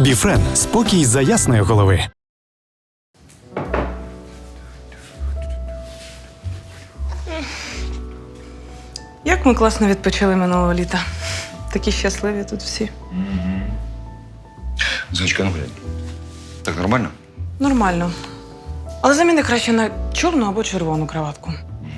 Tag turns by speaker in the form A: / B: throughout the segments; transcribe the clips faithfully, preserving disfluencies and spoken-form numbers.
A: Біфрен – спокій за ясної голови.
B: Як ми класно відпочили минулого літа. Такі щасливі тут всі.
C: Зоечка, ну глянь. Так нормально?
B: Нормально. Але заміни краще на чорну або червону краватку.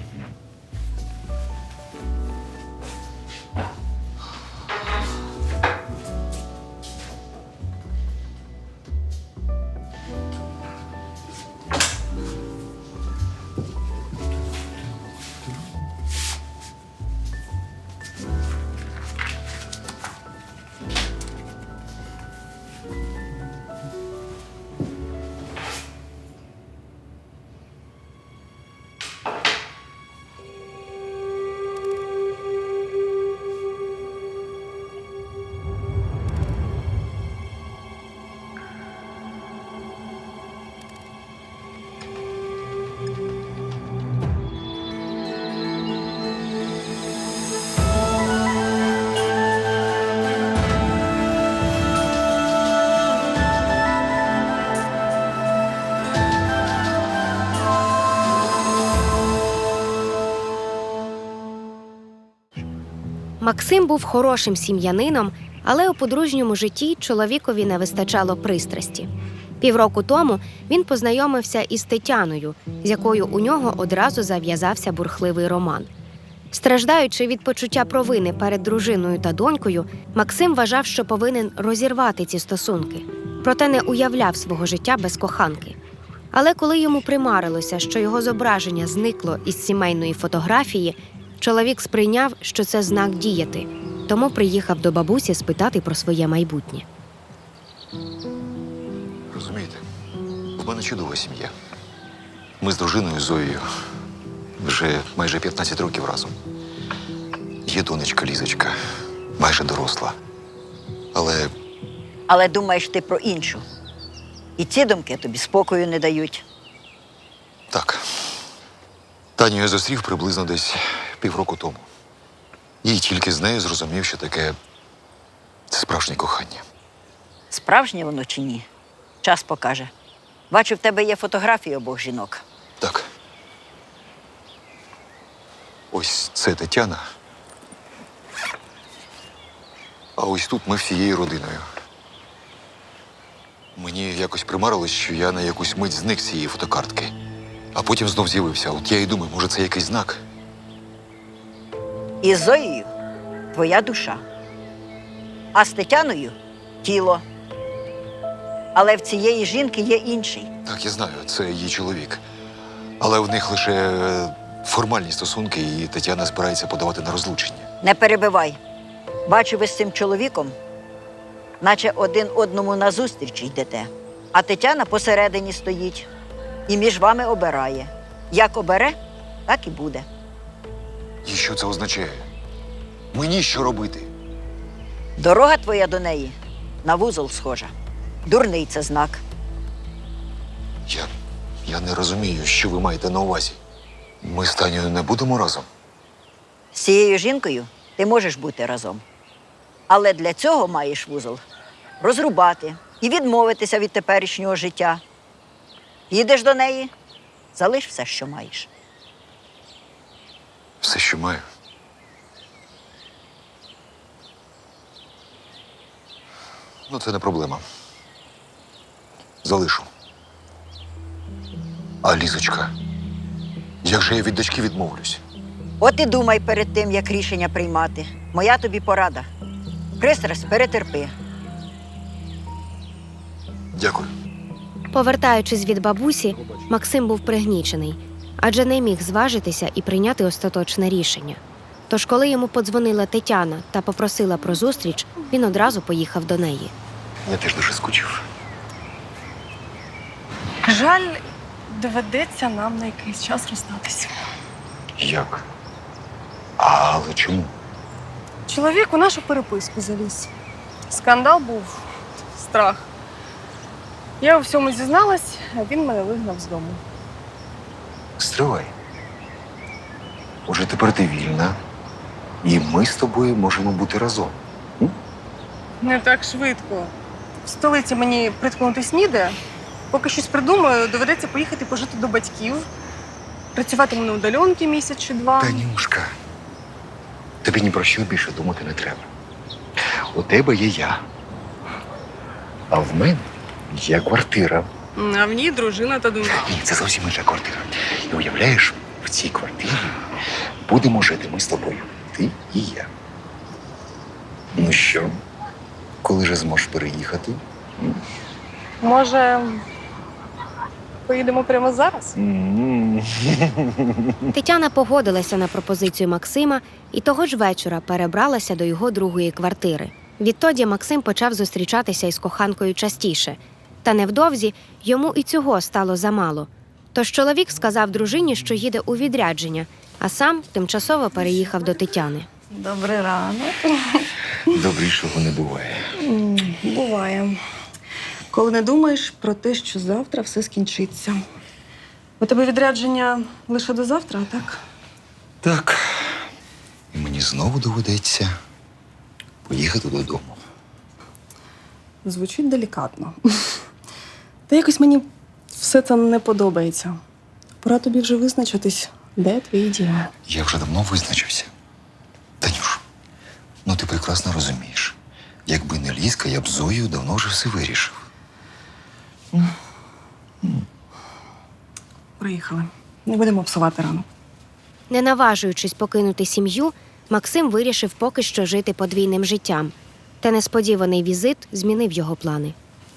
D: Максим був хорошим сім'янином, але у подружньому житті чоловікові не вистачало пристрасті. Півроку тому він познайомився із Тетяною, з якою у нього одразу зав'язався бурхливий роман. Страждаючи від почуття провини перед дружиною та донькою, Максим вважав, що повинен розірвати ці стосунки, проте не уявляв свого життя без коханки. Але коли йому примарилося, що його зображення зникло із сімейної фотографії, чоловік сприйняв, що це знак діяти, тому приїхав до бабусі спитати про своє майбутнє.
C: Розумієте, в мене чудова сім'я. Ми з дружиною Зоєю вже майже п'ятнадцять років разом. Є донечка Лізочка, майже доросла. Але
E: Але думаєш ти про іншу. І ці думки тобі спокою не дають.
C: так, Таню я зустрів приблизно десь півроку тому. І тільки з нею зрозумів, що таке це справжнє кохання.
E: Справжнє воно чи ні? Час покаже. Бачу, в тебе є фотографії обох жінок.
C: Так. Ось це Тетяна. А ось тут ми всією родиною. Мені якось примарилось, що я на якусь мить зник з цієї фотокартки. А потім знов з'явився. От я і думаю, може, це якийсь знак?
E: І з Зоєю твоя душа. А з Тетяною тіло. Але в цієї жінки є інший.
C: Так, я знаю, це її чоловік. Але в них лише е, формальні стосунки, і Тетяна збирається подавати на розлучення.
E: Не перебивай. Бачу, ви з цим чоловіком, наче один одному назустріч йдете. А Тетяна посередині стоїть і між вами обирає. Як обере, так і буде.
C: І що це означає? Мені що робити?
E: Дорога твоя до неї на вузол схожа. Дурний це знак.
C: Я, я не розумію, що ви маєте на увазі. Ми з Танею не будемо разом?
E: З цією жінкою ти можеш бути разом. Але для цього маєш вузол розрубати і відмовитися від теперішнього життя. Їдеш до неї, залиш все, що маєш.
C: Все, що маю. Ну, це не проблема. Залишу. А Лізочка? Як же я від дочки відмовлюсь?
E: От і думай перед тим, як рішення приймати. Моя тобі порада. Пристрасть перетерпи.
C: Дякую.
D: Повертаючись від бабусі, Максим був пригнічений, адже не міг зважитися і прийняти остаточне рішення. Тож, коли йому подзвонила Тетяна та попросила про зустріч, він одразу поїхав до неї.
C: Я теж дуже скучив.
F: Жаль, доведеться нам на якийсь час розстатися.
C: Як? Але чому?
F: Чоловік у нашу переписку заліз. Скандал був, страх. Я у всьому зізналась, а він мене вигнав з дому.
C: Стривай. Уже тепер ти вільна, і ми з тобою можемо бути разом. М?
F: Не так швидко. в столиці мені приткнутись ніде. Поки щось придумаю, доведеться поїхати пожити до батьків. Працюватиму на удаленки місяць чи два.
C: Танюшка, тобі ні про що більше думати не треба. У тебе є я. А в мене є квартира.
F: А в ній дружина та донька.
C: Ні, це зовсім інша квартира. І уявляєш, в цій квартирі будемо жити ми з тобою. Ти і я. Ну що, коли же зможеш переїхати?
F: Може, поїдемо прямо зараз?
D: Тетяна погодилася на пропозицію Максима і того ж вечора перебралася до його другої квартири. Відтоді Максим почав зустрічатися із коханкою частіше. Та невдовзі йому і цього стало замало. Тож чоловік сказав дружині, що їде у відрядження, а сам тимчасово переїхав до Тетяни.
F: Добрий ранок.
C: Добрішого не буває.
F: Буває. Коли не думаєш про те, що завтра все скінчиться. У тебе відрядження лише до завтра, так?
C: Так. І мені знову доведеться поїхати додому.
F: Звучить делікатно. Та якось мені все це не подобається. Пора тобі вже визначитись, де твій дім.
C: Я вже давно визначився. Танюш, ну ти прекрасно розумієш. Якби не Лізка, я б з Зоєю давно вже все вирішив.
F: Приїхали. Не будемо псувати ранок.
D: Не наважуючись покинути сім'ю, Максим вирішив поки що жити подвійним життям. Та несподіваний візит змінив його плани.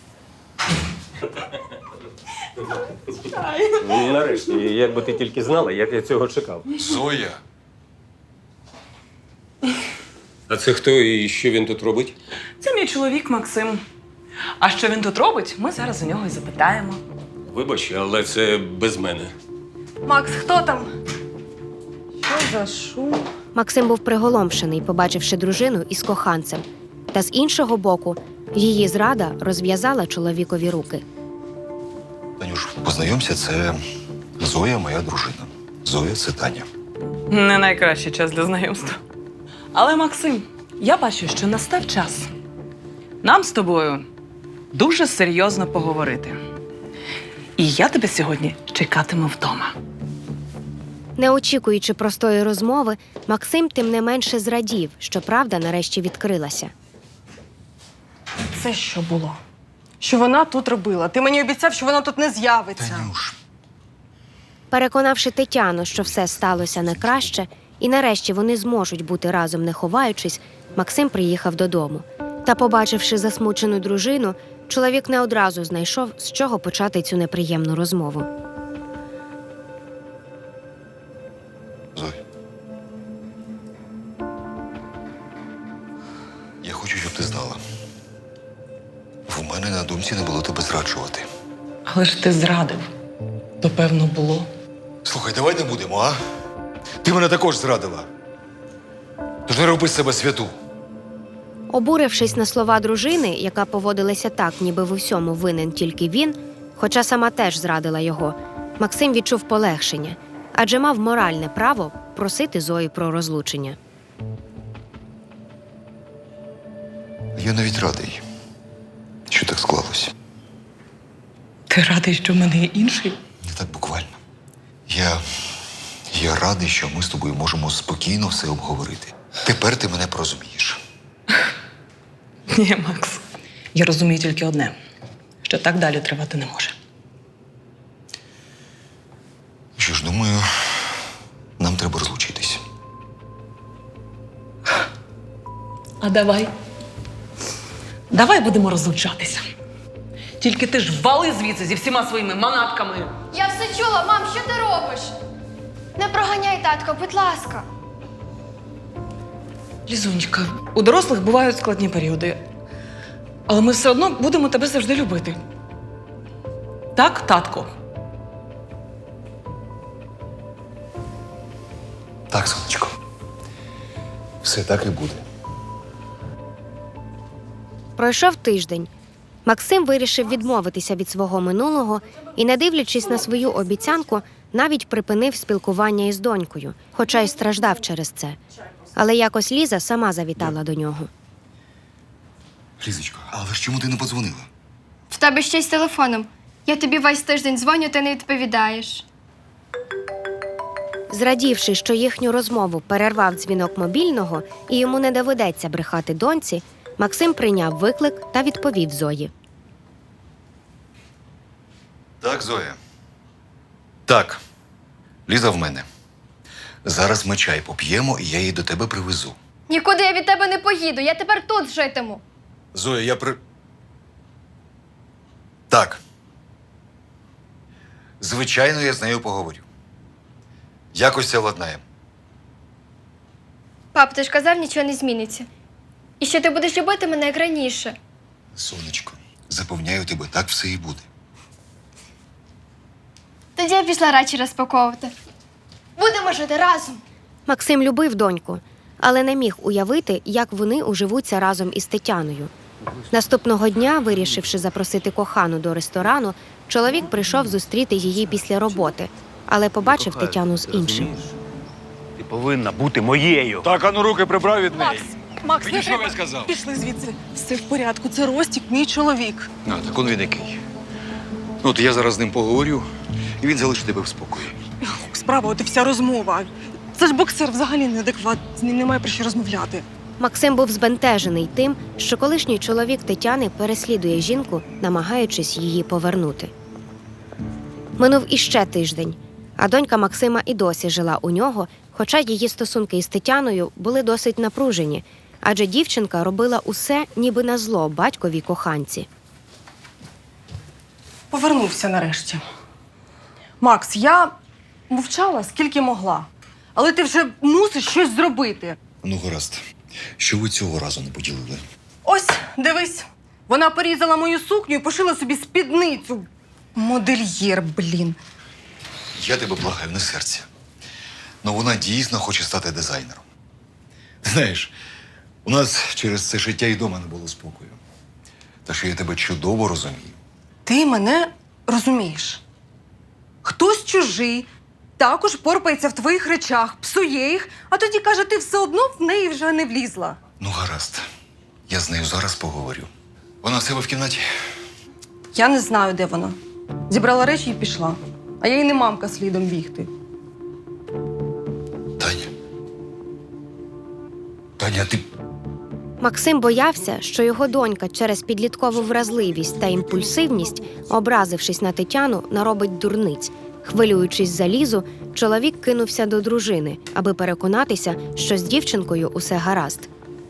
G: Ну, нарешті, як би ти тільки знала, як я цього чекав.
C: Зоя!
G: А це хто і що він тут робить?
B: Це мій чоловік Максим. А що він тут робить, ми зараз у нього і запитаємо.
G: Вибач, але це без мене.
F: Макс, хто там? Що за шум?
D: Максим був приголомшений, побачивши дружину із коханцем. Та з іншого боку, її зрада розв'язала чоловікові руки.
C: Танюш, познайомся, це Зоя, моя дружина. Зоя – це Таня.
B: Не найкращий час для знайомства. Але, Максим, я бачу, що настав час нам з тобою дуже серйозно поговорити. І я тебе сьогодні чекатиму вдома.
D: Не очікуючи простої розмови, Максим тим не менше зрадів, що правда нарешті відкрилася.
F: Це що було? Що вона тут робила? Ти мені обіцяв, що вона тут не з'явиться.
C: Танюш,
D: Переконавши Тетяну, що все сталося на краще, і нарешті вони зможуть бути разом не ховаючись, Максим приїхав додому. Та, побачивши засмучену дружину, чоловік не одразу знайшов, з чого почати цю неприємну розмову.
C: Зоя. Я хочу, щоб ти знала. В мене на думці не було тебе зраджувати.
B: Але ж ти зрадив. То, певно, було.
C: Слухай, давай не будемо, а? Ти мене також зрадила. Тож не роби з себе святу.
D: Обурившись на слова дружини, яка поводилася так, ніби в усьому винен тільки він, хоча сама теж зрадила його, Максим відчув полегшення, адже мав моральне право просити Зою про розлучення.
C: Я навіть радий, що так склалося.
B: Ти радий, що в мене є інший?
C: Не так буквально. Я. Я радий, що ми з тобою можемо спокійно все обговорити. Тепер ти мене порозумієш.
B: Ні, Макс. Я розумію тільки одне, що так далі тривати не може.
C: Що ж, думаю, нам треба розлучитись.
B: А давай. Давай будемо розлучатися. Тільки ти ж вали звідси зі всіма своїми манатками.
H: Я все чула, мам, що ти робиш? Не проганяй, татко, будь ласка.
B: Лізунечка, у дорослих бувають складні періоди. Але ми все одно будемо тебе завжди любити. Так, татко?
C: Так, сонечко. Все так і буде.
D: Пройшов тиждень. Максим вирішив відмовитися від свого минулого і, не дивлячись на свою обіцянку, навіть припинив спілкування із донькою, хоча й страждав через це. Але якось Ліза сама завітала до нього.
C: Лізочко, але ж чому ти не подзвонила?
H: В тебе ще й з телефоном. Я тобі весь тиждень дзвоню, ти не відповідаєш.
D: Зрадівши, що їхню розмову перервав дзвінок мобільного і йому не доведеться брехати доньці, Максим прийняв виклик та відповів Зої.
C: Так, Зоя. Так. Ліза в мене. Зараз ми чай поп'ємо, і я її до тебе привезу.
H: Нікуди я від тебе не поїду, я тепер тут житиму.
C: Зоя, я при... Так. Звичайно, я з нею поговорю. Якось це владнаємо.
H: Пап, ти ж казав, нічого не зміниться. І що ти будеш любити мене як раніше.
C: Сонечко, запевняю тебе, так все і буде.
H: Тоді я пішла речі розпаковувати. Будемо жити разом.
D: Максим любив доньку, але не міг уявити, як вони уживуться разом із Тетяною. Наступного дня, вирішивши запросити кохану до ресторану, чоловік прийшов зустріти її після роботи, але побачив Тетяну з іншим.
I: Ти повинна бути моєю.
J: Так, а ну руки прибрав від неї.
F: Макс, Макс,
J: Мені
F: не
J: що
F: треба.
J: я сказав?
F: Пішли звідси. Все в порядку, це Ростік, мій чоловік.
C: А, так он він який. Ну, от я зараз з ним поговорю, і він залишить тебе в спокої.
F: Справа, от і вся розмова. Це ж боксер взагалі неадекватний, з ним немає про що розмовляти.
D: Максим був збентежений тим, що колишній чоловік Тетяни переслідує жінку, намагаючись її повернути. Минув іще тиждень, а донька Максима і досі жила у нього, хоча її стосунки із Тетяною були досить напружені, адже дівчинка робила усе ніби на зло батьковій коханці.
F: Повернувся нарешті. Макс, я мовчала, скільки могла. Але ти вже мусиш щось зробити.
C: Ну, гаразд. Що ви цього разу не поділили?
F: Ось, дивись. Вона порізала мою сукню і пошила собі спідницю. Модельєр, блін.
C: Я тебе благаю, не серця. Ну, вона дійсно хоче стати дизайнером. Знаєш, у нас через це життя і дома не було спокою. Та що я тебе чудово розумію.
F: Ти мене розумієш. Хтось чужий також порпається в твоїх речах, псує їх, а тоді каже, ти все одно в неї вже не влізла.
C: Ну, гаразд. Я з нею зараз поговорю. Вона в себе в кімнаті?
F: Я не знаю, де вона. Зібрала речі і пішла. А я й не мамка слідом бігти.
C: Таня. Таня, ти...
D: Максим боявся, що його донька через підліткову вразливість та імпульсивність, образившись на Тетяну, наробить дурниць. Хвилюючись за Лізу, чоловік кинувся до дружини, аби переконатися, що з дівчинкою усе гаразд.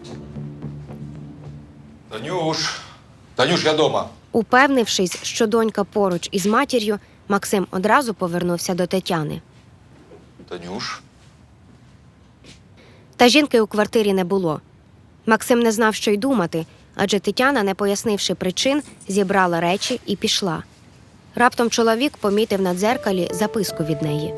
C: Танюш! Танюш, я дома.
D: Упевнившись, що донька поруч із матір'ю, Максим одразу повернувся до Тетяни.
C: Танюш?
D: Та жінки у квартирі не було. Максим не знав, що й думати, адже Тетяна, не пояснивши причин, зібрала речі і пішла. Раптом чоловік помітив на дзеркалі записку від неї.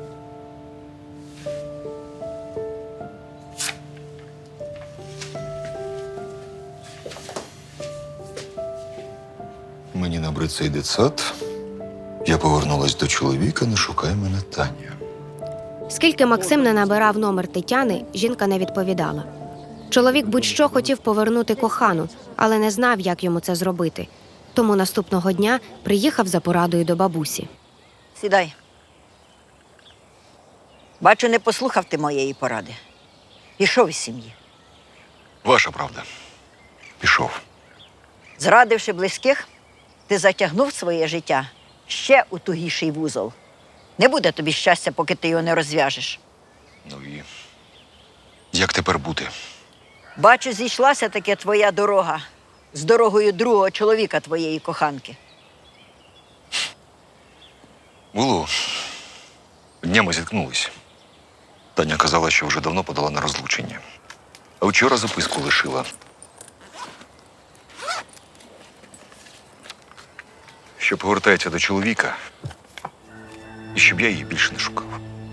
C: Мені набрид цей дитсад. Я повернулась до чоловіка, не шукай мене, Таня.
D: Скільки Максим не набирав номер Тетяни, жінка не відповідала. Чоловік будь-що хотів повернути кохану, але не знав, як йому це зробити. Тому наступного дня приїхав за порадою до бабусі.
E: Сідай. Бачу, не послухав ти моєї поради. Пішов із сім'ї.
C: Ваша правда. Пішов.
E: Зрадивши близьких, ти затягнув своє життя ще у тугіший вузол. Не буде тобі щастя, поки ти його не розв'яжеш.
C: Ну і як тепер бути?
E: Бачу, зійшлася таки твоя дорога з дорогою другого чоловіка твоєї коханки.
C: Було. Днями зіткнулись. Таня казала, що вже давно подала на розлучення. А вчора записку лишила. Що повертається до чоловіка, і щоб я її більше не шукав.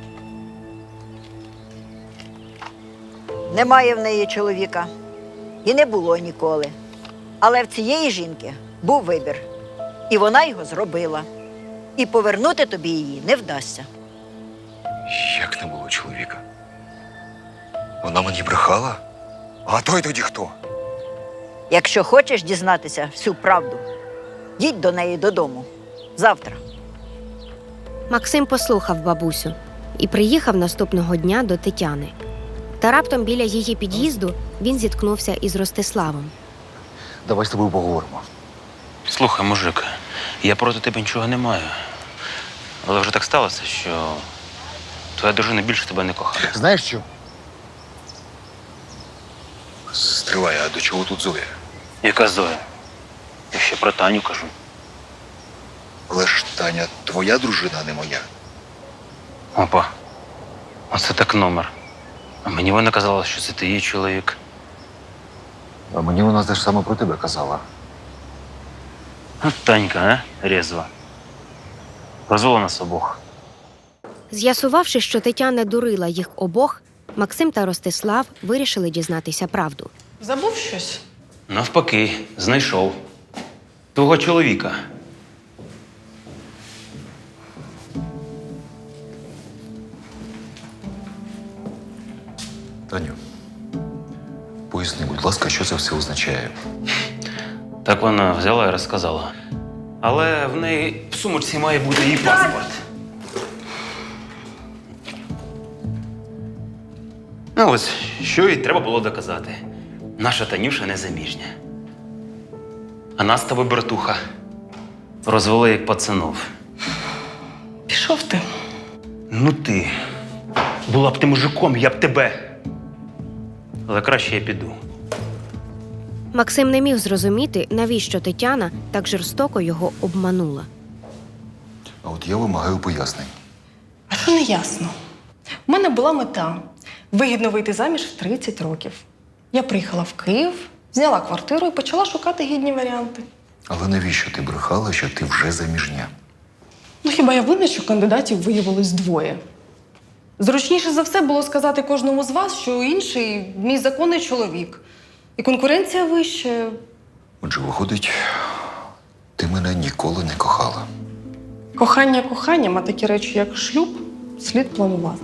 E: Немає в неї чоловіка. І не було ніколи. Але в цієї жінки був вибір. І вона його зробила. І повернути тобі її не вдасться.
C: Як не було чоловіка? Вона мені брехала? А той тоді хто?
E: Якщо хочеш дізнатися всю правду, їдь до неї додому. Завтра.
D: Максим послухав бабусю і приїхав наступного дня до Тетяни. Та раптом біля її під'їзду він зіткнувся із Ростиславом.
C: Давай з тобою поговоримо.
I: Слухай, мужик, я проти тебе нічого не маю. Але вже так сталося, що твоя дружина більше тебе не кохає.
C: Знаєш що? Стривай, а до чого тут Зоя?
I: Яка Зоя? Я ще про Таню кажу.
C: Але ж Таня твоя дружина, а не моя.
I: Опа. Оце так номер. А мені вона казала, що це ти її чоловік.
C: А мені вона теж саме про тебе казала.
I: От Танька, а? Резва. Розвела нас обох.
D: З'ясувавши, що Тетяна дурила їх обох, Максим та Ростислав вирішили дізнатися правду.
B: Забув щось?
I: Навпаки, знайшов. Твого чоловіка.
C: Таню, поясни, будь ласка, що це все означає.
I: Так вона взяла і розказала. Але в неї в сумочці має бути її паспорт. Ну ось, що їй треба було доказати. Наша Танюша незаміжня. А нас з тобою, братуха, розвели як пацанов.
B: Пішов ти.
I: Ну ти. Була б ти мужиком, я б тебе. Але краще я піду.
D: Максим не міг зрозуміти, навіщо Тетяна так жорстоко його обманула.
C: А от я вимагаю пояснень.
J: А що не ясно? У мене була мета – вигідно вийти заміж в тридцять років. Я приїхала в Київ, зняла квартиру і почала шукати гідні варіанти.
C: Але навіщо ти брехала, що ти вже заміжня?
J: Ну хіба я винна, що кандидатів виявилось двоє? Зручніше за все було сказати кожному з вас, що інший – мій законний чоловік. І конкуренція вища.
C: Отже, виходить, ти мене ніколи не кохала.
J: Кохання коханням, а такі речі, як шлюб, слід планувати.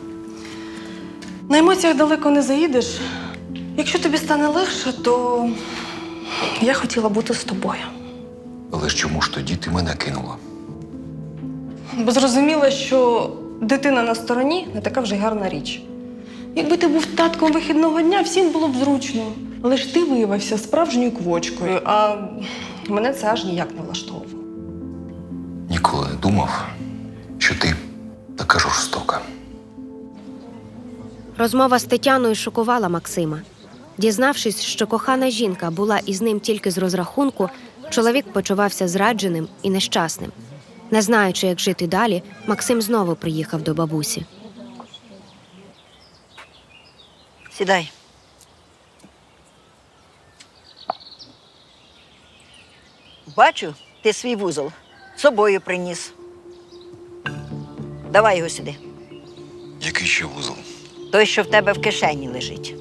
J: На емоціях далеко не заїдеш. Якщо тобі стане легше, то я хотіла бути з тобою.
C: Але ж чому ж тоді ти мене кинула?
J: Бо зрозуміла, що дитина на стороні не така вже й гарна річ. Якби ти був татком вихідного дня, всім було б зручно. Але ж ти виявився справжньою квочкою, а мене це аж ніяк не влаштовувало.
C: Ніколи не думав, що ти така жорстока.
D: Розмова з Тетяною шокувала Максима. Дізнавшись, що кохана жінка була із ним тільки з розрахунку, чоловік почувався зрадженим і нещасним. Не знаючи, як жити далі, Максим знову приїхав до бабусі.
E: Сідай. Бачу, ти свій вузол з собою приніс. Давай його сюди.
C: Який ще вузол?
E: Той, що в тебе в кишені лежить.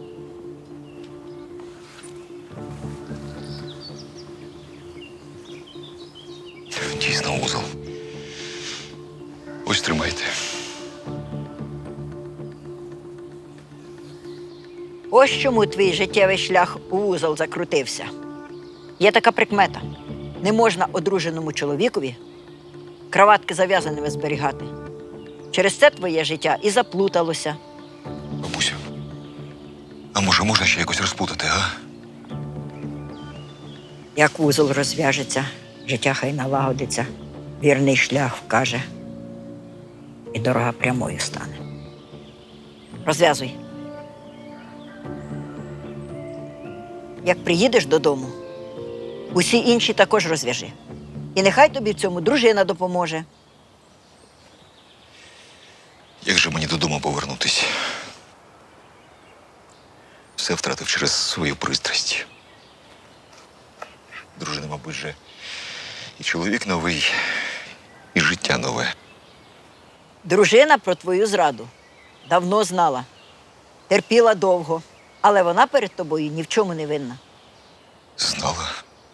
C: Дійсно вузол. Ось тримайте.
E: Ось чому твій життєвий шлях у вузол закрутився. Є така прикмета. Не можна одруженому чоловікові краватки зав'язаними зберігати. Через це твоє життя і заплуталося.
C: Бабусю, а може можна ще якось розпутати, а?
E: Як вузол розв'яжеться, життя хай налагодиться, вірний шлях вкаже, і дорога прямою стане. Розв'язуй. Як приїдеш додому, усі інші також розв'яжи. І нехай тобі в цьому дружина допоможе.
C: Як же мені додому повернутись? Все втратив через свою пристрасть. Дружина, мабуть, же і чоловік новий, і життя нове.
E: Дружина про твою зраду давно знала, терпіла довго, але вона перед тобою ні в чому не винна.
C: Знала.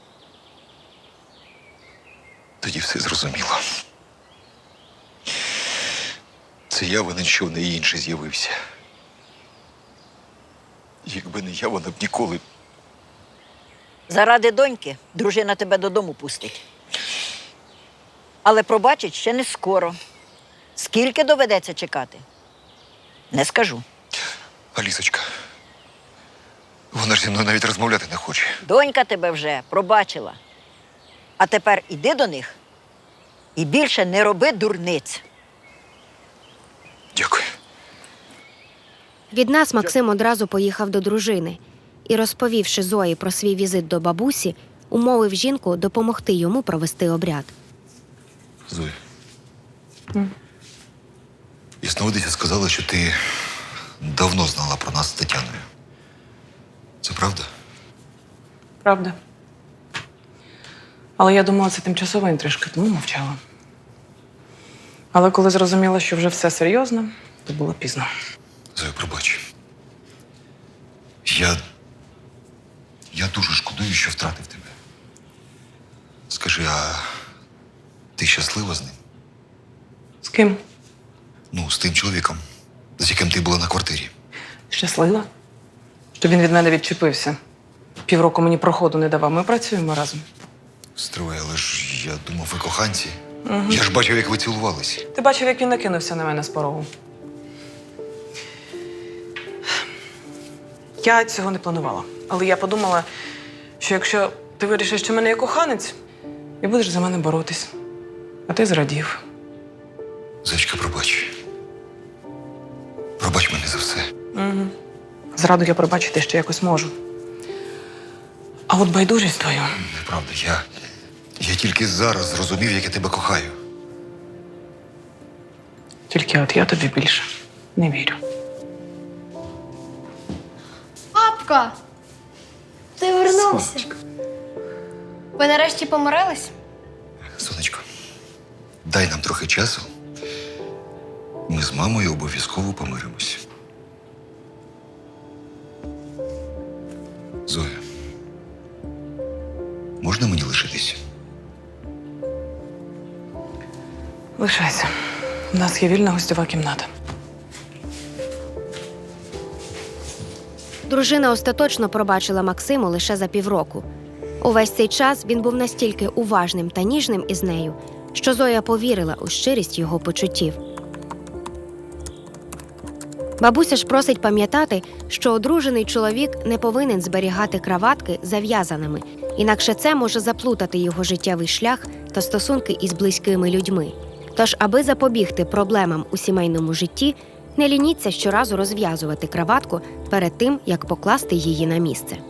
C: Тоді все зрозуміла. Це я винен, що в неї інший з'явився. Якби не я, вона б ніколи
E: Заради доньки дружина тебе додому пустить. Але пробачить ще не скоро. Скільки доведеться чекати? Не скажу.
C: Алісочка. Вона ж зі мною навіть розмовляти не хоче.
E: Донька тебе вже пробачила. А тепер іди до них і більше не роби дурниць.
C: Дякую.
D: Від нас Максим одразу поїхав до дружини і, розповівши Зої про свій візит до бабусі, умовив жінку допомогти йому провести обряд.
C: Зоя. Ясновидиця сказала, що ти давно знала про нас з Тетяною. Це правда?
B: Правда. Але я думала, це тимчасова інтрижка, тому мовчала. Але коли зрозуміла, що вже все серйозно, то було пізно.
C: Зоя, пробач. Я. Я дуже шкодую, що втратив тебе. Скажи, а ти щаслива з ним?
B: З ким?
C: Ну, з тим чоловіком, з яким ти була на квартирі.
B: Щаслива? Що він від мене відчепився. Півроку мені проходу не давав. Ми працюємо разом.
C: Стривай, але ж я думав, ви коханці. Угу. Я ж бачив, як ви цілувались.
B: Ти бачив, як він накинувся на мене з порогу. Я цього не планувала. Але я подумала, що якщо ти вирішиш, що в мене є коханець, і будеш за мене боротись. А ти зрадів.
C: Зайчка, пробач. Пробач мене за все.
B: Угу. Зраду я пробачити ще якось можу. А от байдужість твою.
C: Неправда, я. Я тільки зараз зрозумів, як я тебе кохаю.
B: Тільки от я тобі більше не вірю.
H: Папка! Ти вернувся. Ви нарешті помирились?
C: Сонечко, дай нам трохи часу. Ми з мамою обов'язково помиримось. Зоя, можна мені лишитись?
B: Лишайся. У нас є вільна гостьова кімната.
D: Дружина остаточно пробачила Максиму лише за півроку. Увесь цей час він був настільки уважним та ніжним із нею, що Зоя повірила у щирість його почуттів. Бабуся ж просить пам'ятати, що одружений чоловік не повинен зберігати краватки зав'язаними, інакше це може заплутати його життєвий шлях та стосунки із близькими людьми. Тож, аби запобігти проблемам у сімейному житті, не лініться щоразу розв'язувати краватку перед тим, як покласти її на місце.